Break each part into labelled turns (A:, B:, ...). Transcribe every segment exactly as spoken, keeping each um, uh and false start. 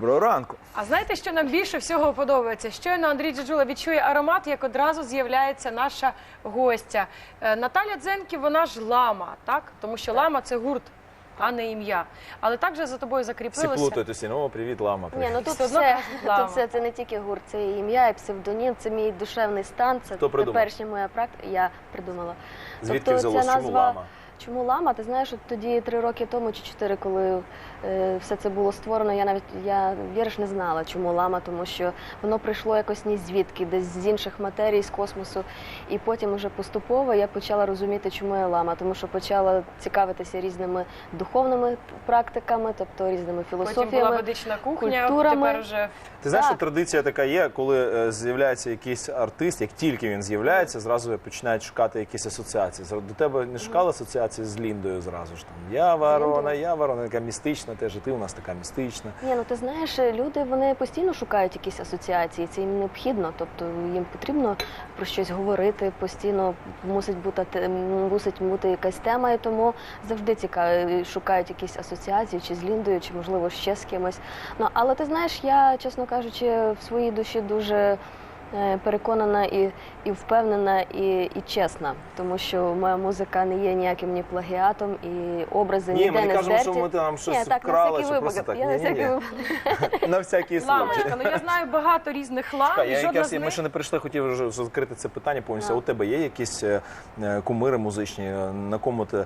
A: Доброго ранку.
B: А знаєте, що нам більше всього подобається? Щойно Андрій Джеджула відчує аромат, як одразу з'являється наша гостя. Наталя Дзенків, вона ж лама, так? Тому що лама – це гурт, а не ім'я. Але також за тобою закріпилося.
A: Всі плутають усі. Ну, привіт, лама. Привіт.
C: Ні, ну тут все, тут все, це не тільки гурт, це і ім'я, і псевдонім, це мій душевний стан, це теперішня моя практика, я придумала.
A: Звідки
C: тобто,
A: взялось,
C: назва...
A: чому лама?
C: Чому лама? Ти знаєш, от тоді три роки тому чи чотири, коли е, все це було створено, я навіть, я, віриш, не знала, чому лама, тому що воно прийшло якось ні звідки, десь з інших матерій, з космосу. І потім уже поступово я почала розуміти, чому я лама, тому що почала цікавитися різними духовними практиками, тобто різними філософіями,
B: потім була ведична кухня,
C: культурами.
B: Тепер вже...
A: Ти знаєш,
C: Так.
A: що традиція така є, коли е, з'являється якийсь артист, як тільки він з'являється, зразу починають шукати якісь асоціації. Зра- До тебе не шукали асоціації з Ліндою зразу ж? Там, я ворона, я ворона, така містична, теж і ти у нас така містична.
C: Ні, ну ти знаєш, люди, вони постійно шукають якісь асоціації, це їм необхідно, тобто їм потрібно про щось говорити, постійно мусить бути, те- мусить бути якась тема, і тому завжди цікаво, шукають якісь асоціації, чи з Ліндою, чи, можливо, ще з кимось. Ну, але ти знаєш, я, чесно кажучи, в своїй душі дуже е, переконана і, і впевнена, і, і чесна, тому що моя музика не є ніяким ні плагіатом, і образи
A: Ні,
C: ніде
A: ми не
C: не
A: кажемо,
C: здерті.
A: що ми там щось
C: Ні, так, на
A: вкрали,
C: всякий
A: що просто
C: випадок.
A: так.
C: Я на
A: Ні-ні-ні.
C: всякий випадок.
A: На всякий случай.
B: Ламочка, ну я знаю багато різних лам,
A: Чекай,
B: і
A: я
B: жодна
A: якраз,
B: з
A: ми
B: них...
A: ще не прийшли, хотів вже закрити це питання повністю.
C: А.
A: У тебе є якісь е, е, кумири музичні, е, на кому ти е,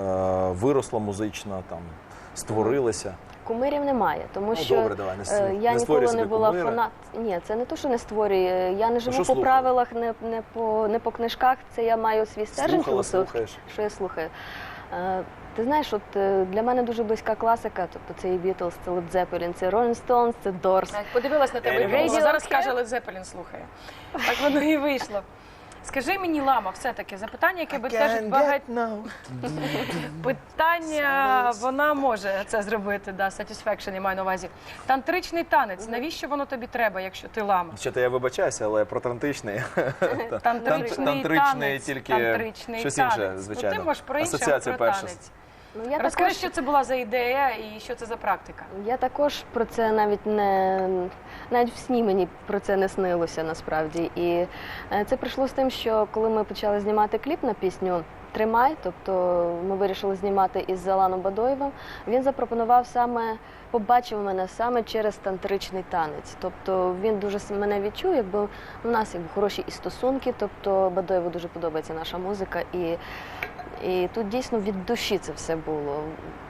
A: виросла музично, там, створилася?
C: Кумирів немає, тому
A: Ну,
C: що
A: добре, давай, не,
C: е, я
A: не створюй
C: ніколи
A: собі
C: не була
A: кумира.
C: фанат. Ні, це не те, що не створює. Я не живу
A: що
C: по
A: слухала?
C: правилах, не, не, по, не по книжках. Це я маю свій стержень
A: Слухала,
C: філософський,
A: слухаєш?
C: що я слухаю. Е, ти знаєш, от е, для мене дуже близька класика, тобто це і Beatles, це Led Zeppelin, це Rolling Stones, це Doors.
B: Так, подивилась на тебе,
A: Animals.
B: і зараз каже, Led Zeppelin слухає. Так воно і вийшло. Скажи мені, лама, все-таки запитання, яке бентежить багать... Питання, вона може це зробити, да, satisfaction, я маю на увазі. Тантричний танець, навіщо воно тобі треба, якщо ти лама?
A: Що-то я вибачаюся, але про тантричний.
B: Тантричний
A: Тантричний
B: танець,
A: тільки
B: тантричний
A: щось інше,
B: танець.
A: звичайно.
B: Ну, ти можеш про інше, а
A: Асоціація
B: про
A: перша.
B: танець.
C: Ну, я
B: Розкажи,
C: також,
B: що це була за ідея і що це за практика?
C: я також про це навіть не навіть в сні мені про це не снилося насправді. І е, це прийшло з тим, що коли ми почали знімати кліп на пісню Тримай, тобто ми вирішили знімати із Заланом Бадоєвим, він запропонував саме, побачив мене саме через тантричний танець. Тобто він дуже с- мене відчув, якби у нас якби хороші і стосунки, тобто Бадоєву дуже подобається наша музика, і, і тут дійсно від душі це все було.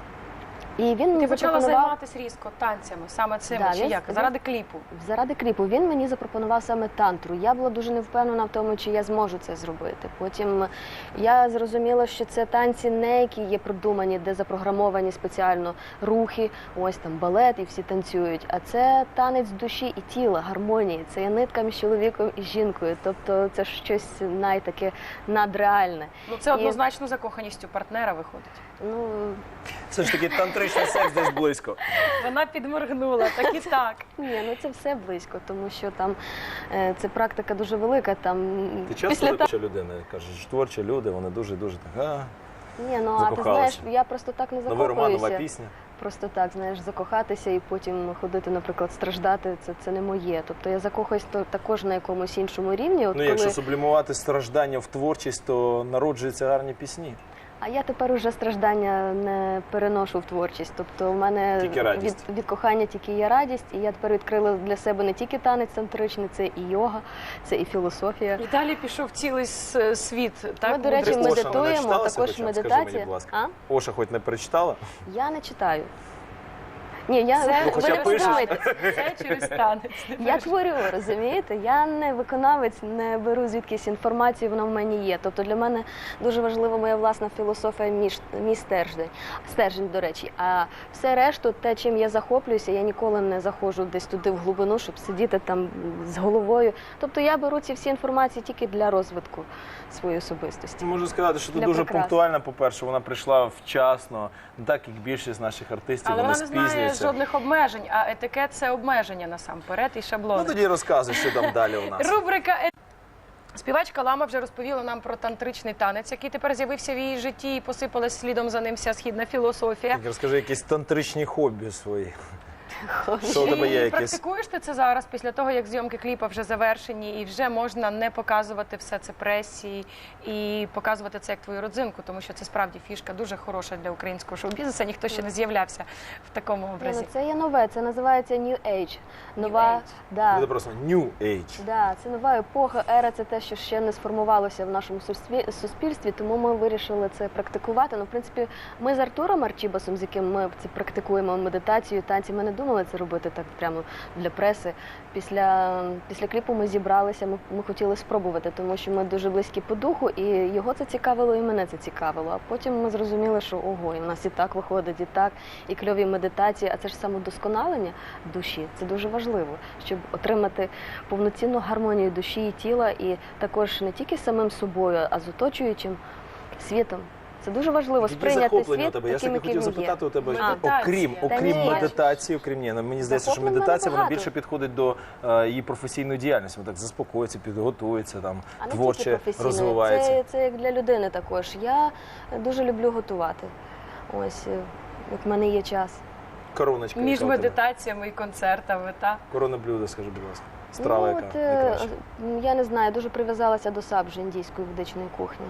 C: І він
B: Ти
C: мені
B: почала
C: запропонував...
B: займатися різко танцями, саме цим,
C: Да,
B: чи
C: він-
B: як?
C: він-
B: Заради кліпу.
C: Заради кліпу він мені запропонував саме тантру. Я була дуже невпевнена в тому, чи я зможу це зробити. Потім я зрозуміла, що це танці не які є продумані, де запрограмовані спеціально рухи, ось там балет і всі танцюють. А це танець душі і тіла, гармонії. Це є нитка між чоловіком і жінкою. Тобто це щось найтаке надреальне.
B: Ну це
C: І-
B: однозначно закоханістю партнера виходить.
C: Ну,
A: Все ж таки тантричний секс десь близько.
B: Вона підморгнула, так і так.
C: ні, ну це все близько, тому що там е, це практика дуже велика. Там
A: Ти часто творча людина, кажеш, творчі люди, вони дуже-дуже так, а,
C: Ні, ну а ти
A: закохалася?
C: знаєш, я просто так не
A: новий роман, нова
C: закохуюся.
A: пісня.
C: Просто так, знаєш, закохатися і потім ходити, наприклад, страждати, це, це не моє. Тобто я закохуюсь то, також на якомусь іншому рівні. От
A: Ну,
C: коли...
A: якщо сублімувати страждання в творчість, то народжуються гарні пісні.
C: А я тепер уже страждання не переношу в творчість. Тобто в мене
A: Тільки радість.
C: від, від кохання тільки є радість, і я тепер відкрила для себе не тільки танець тантричний, це і йога, це і філософія.
B: І далі пішов цілий с- світ. Так,
C: Ми, до речі,
B: мудрості.
A: Оша, вона
C: медитуємо,
A: читалася
C: також
A: хоча б? Скажи
C: медитація.
A: мені, будь ласка.
C: А?
A: Оша хоч не перечитала?
C: Я не читаю. Ні, я
B: Це,
C: ви
A: хоча
C: не
A: пишеш.
C: подумайте.
B: це через танець.
C: Я творю, розумієте? Я не виконавець, не беру звідкись інформацію, вона в мені є. Тобто для мене дуже важлива моя власна філософія, мій, ш- мій стержень, стержень, до речі. А все решту, те, чим я захоплююся, я ніколи не заходжу десь туди в глибину, щоб сидіти там з головою. Тобто я беру ці всі інформації тільки для розвитку своєї особистості.
A: Можу сказати, що ти
C: Для
A: дуже
C: прикрас.
A: пунктуальна, по-перше, вона прийшла вчасно, не так, як більшість наших артистів,
B: Але
A: вони
B: вона не знає
A: спізнюються.
B: жодних обмежень, а етикет – це обмеження насамперед і шаблони.
A: Ну тоді розказуй, що там далі у нас.
B: Рубрика «Е-». Співачка Лама вже розповіла нам про тантричний танець, який тепер з'явився в її житті і посипалась слідом за ним вся східна філософія.
A: Так, розкажи якісь тантричні хобі свої. Що у тебе є
B: І
A: якісь?
B: практикуєш ти це зараз, після того, як зйомки кліпа вже завершені, і вже можна не показувати все це пресі і показувати це як твою родзинку, тому що це справді фішка дуже хороша для українського шоу-бізнесу. Ніхто ще не з'являвся в такому
C: Ні,
B: образі.
C: ну, це є нове, це називається New Age. Нова,
B: Age.
C: Да,
A: Це просто New Age.
C: да, це нова епоха, ера, це те, що ще не сформувалося в нашому суспіль- суспільстві, тому ми вирішили це практикувати. Ну, в принципі, ми з Артуром Арчібасом, з яким ми це практикуємо медитацію, танці, ми не думали це робити так прямо для преси. Після, після кліпу ми зібралися, ми, ми хотіли спробувати, тому що ми дуже близькі по духу, і його це цікавило, і мене це цікавило. А потім ми зрозуміли, що ого, і в нас і так виходить, і так, і кльові медитації, а це ж самодосконалення душі. Це дуже важливо, щоб отримати повноцінну гармонію душі і тіла, і також не тільки з самим собою, а з оточуючим світом. Це дуже важливо
A: Які
C: сприйняти
A: захоплення у
C: світ
A: тебе? Я
C: таким,
A: ж таки
C: яким
A: хотів
C: він є.
A: запитати у тебе,
B: Медитація.
A: окрім,
B: Та
A: окрім
C: ні.
A: медитації, окрім ні, ну, мені здається, що
C: Захоплень в мене
A: медитація вона
C: багато.
A: більше підходить до е, її професійної діяльності. Вона так заспокоїться, підготується, там,
C: А не тільки
A: творче
C: професійної.
A: розвивається.
C: Це, це як для людини також. Я дуже люблю готувати. Ось, е, як в мене є час.
A: Короночка.
B: Між
A: яка у тебе?
B: медитаціями і концертами, так?
A: Коронне блюдо, скажи, будь ласка. Страва,
C: ну,
A: яка
C: от, е,
A: найкраща.
C: м, я не знаю, дуже прив'язалася до сабжі індійської ведичної кухні.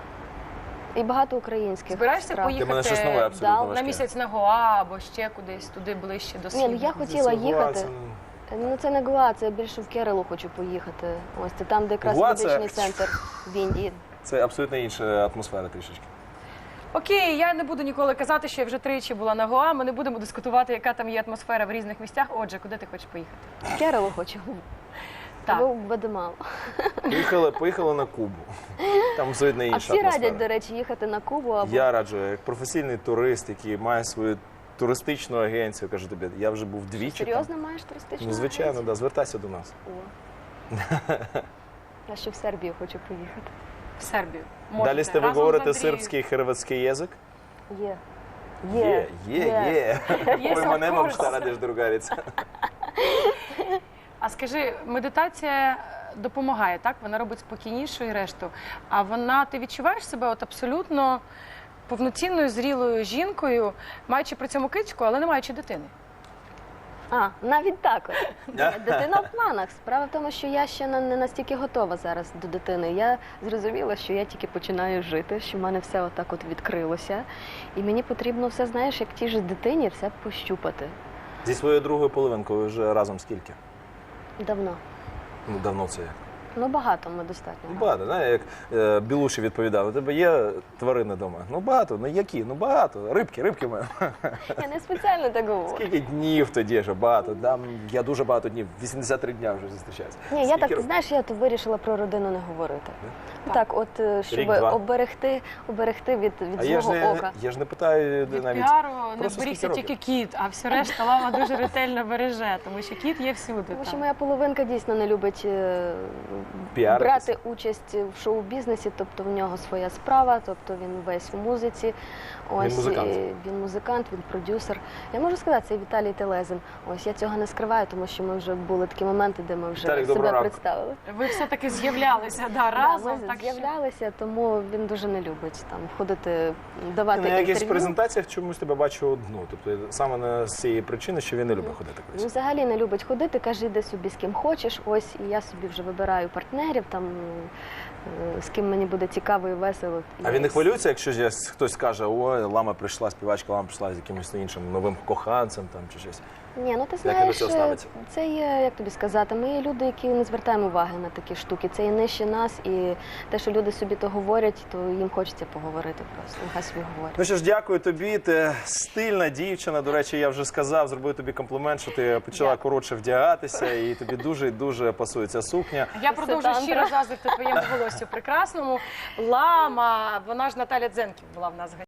C: І багато українських
B: Збираєшся
C: страв.
A: Для мене щось
B: поїхати
A: нове абсолютно
C: да,
B: на
A: важке.
B: місяць на Гоа або ще кудись, туди ближче до
C: Ні, ну
B: східних?
C: я хотіла
A: Це Гоа,
C: їхати.
A: це-
C: Ну це не Гоа, це я більше в Кералу хочу поїхати. Ось це там, де якраз
A: Гоа це-
C: медичний центр в Індії.
A: Це абсолютно інша атмосфера трішечки.
B: Окей, я не буду ніколи казати, що я вже тричі була на Гоа. Ми не будемо дискутувати, яка там є атмосфера в різних місцях. Отже, куди ти хочеш поїхати?
C: В Кералу хочу.
B: Так.
C: Або в Гватемалу.
A: Поїхали, поїхали на Кубу. Там абсолютно інша
C: А всі
A: атмосфера.
C: радять, до речі, їхати на Кубу або
A: Я раджу, як професійний турист, який має свою туристичну агенцію, кажу тобі, я вже був двічі. там.
C: серйозно маєш туристичну
A: Ну, звичайно,
C: агенцію?
A: да, звертайся до нас.
C: О. Я ще в Сербію хочу поїхати.
B: В Сербію.
A: Далі
B: Можете.
A: з тебе
B: Разом
A: говорити
B: з Андрією.
A: сербський і хорватський язик?
C: Є.
A: Є, є, є.
B: Є,
A: Ой, мене
B: of
A: мам
B: course.
A: що радиш, другаріця.
B: А скажи, медитація допомагає, так? Вона робить спокійнішу і решту. А вона, ти відчуваєш себе от абсолютно повноцінною, зрілою жінкою, маючи при цьому кицьку, але не маючи дитини?
C: А, навіть так. от. Дитина в планах. Справа в тому, що я ще на- не настільки готова зараз до дитини. Я зрозуміла, що я тільки починаю жити, що в мене все отак от відкрилося. І мені потрібно все, знаєш, як тій же дитині, все пощупати.
A: Зі своєю другою половинкою ви вже разом скільки?
C: Давно.
A: Ну, давно це як?
C: Ну, багато ми достатньо.
A: Ну, багато, знаєш, як е, Білуші відповідав, у тебе є тварини вдома? Ну, багато, ну які? Ну, багато. Рибки, рибки в мене.
C: Я не спеціально так говорю.
A: Скільки днів тоді ж багато? Там, я дуже багато днів, вісімдесят три дня вже зустрічаюся.
C: Ні, я
A: Скільки
C: так,
A: років?
C: знаєш, я то вирішила про родину не говорити.
B: Так.
C: Так, от, е, щоб
A: Рік-два.
C: оберегти, оберегти від, від
A: А я ж,
C: злого
A: не,
C: ока.
A: я ж не питаю
B: Від
A: навіть.
B: піару не
A: просто
B: берігся
A: скільки
B: тільки кіт, а все решта лама дуже ретельно береже, тому що кіт є всюди.
C: Тому що
B: там.
C: моя половинка дійсно не любить е,
A: Піаритися.
C: брати участь в шоу-бізнесі, тобто в нього своя справа, тобто він весь в музиці. Ось,
A: музикант.
C: і він музикант, він продюсер. Я можу сказати, це Віталій Телезин. Ось я цього не скриваю, тому що ми вже були такі моменти, де ми вже
A: Віталік, доброго
C: себе
A: ранку.
C: представили.
B: Ви все-таки з'являлися да,
C: Да,
B: разом.
C: ми
B: так що...
C: з'являлися, тому він дуже не любить там ходити, давати
A: На якихось
C: інтерв'ю.
A: презентаціях чомусь тебе бачу одну. Тобто саме не з цієї причини, що він не любить ходити
C: Він
A: кудись.
C: взагалі не любить ходити, каже, йди собі з ким хочеш. Ось і я собі вже вибираю партнерів, там е, з ким мені буде цікаво і весело.
A: А він не хвилюється, якщо ж я- хтось скаже, ой, лама прийшла, співачка, лама прийшла з якимось іншим новим коханцем там чи щось.
C: Ні, ну ти
A: Як він до
C: знаєш,
A: цього
C: е,
A: ставиться?
C: це є, як тобі сказати, ми є люди, які не звертаємо уваги на такі штуки. Це є нижче нас, і те, що люди собі то говорять, то їм хочеться поговорити просто. Нехай собі говорять.
A: Ну що ж, дякую тобі. Ти стильна дівчина. До речі, я вже сказав, зробив тобі комплімент, що ти почала
C: Дякую.
A: коротше вдягатися, і тобі дуже дуже пасує ця сукня.
B: Я продовжую
C: Тантра.
B: щиро заздрити твоєму волосю прекрасному. Лама, вона ж Наталя Дзенків була в нас в гостях.